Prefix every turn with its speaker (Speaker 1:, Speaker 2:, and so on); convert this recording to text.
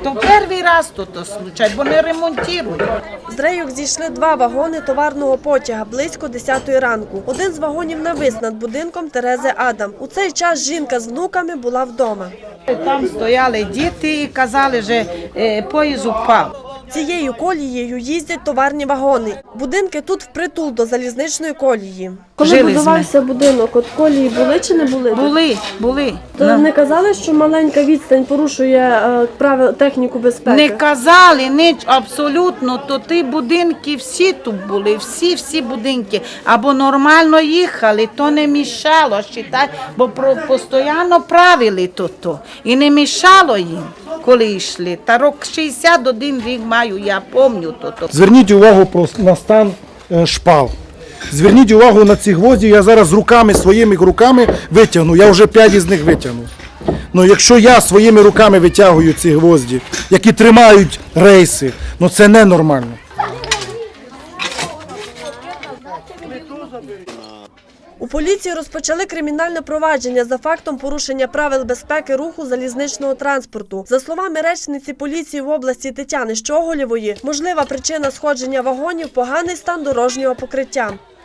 Speaker 1: То перший раз тут случай, бо не ремонтують.
Speaker 2: З рейок зійшли 2 вагони товарного потяга близько 10-ї ранку. Один з вагонів навис над будинком Терези Адам. У цей час жінка з внуками була вдома.
Speaker 1: Там стояли діти і казали, що поїзд упав.
Speaker 2: Цією колією їздять товарні вагони. Будинки тут впритул до залізничної колії. Коли будувався будинок, от колії були чи не були?
Speaker 1: Були.
Speaker 2: То не казали, що маленька відстань порушує правил техніку безпеки?
Speaker 1: Не казали, ніч абсолютно, то ті будинки всі тут були, всі будинки. Або нормально їхали, то не мішало, бо постійно правили тут. І не мішало їм, коли йшли. Та рок 61 рік маю, я пам'ятаю то.
Speaker 3: Зверніть увагу на стан шпал. Зверніть увагу на ці гвозді, я зараз своїми руками витягну, я вже 5 із них витягнув. Ну, якщо я своїми руками витягую ці гвозді, які тримають рейси, ну це ненормально.
Speaker 2: У поліції розпочали кримінальне провадження за фактом порушення правил безпеки руху залізничного транспорту. За словами речниці поліції в області Тетяни Щоголєвої, можлива причина сходження вагонів – поганий стан дорожнього покриття.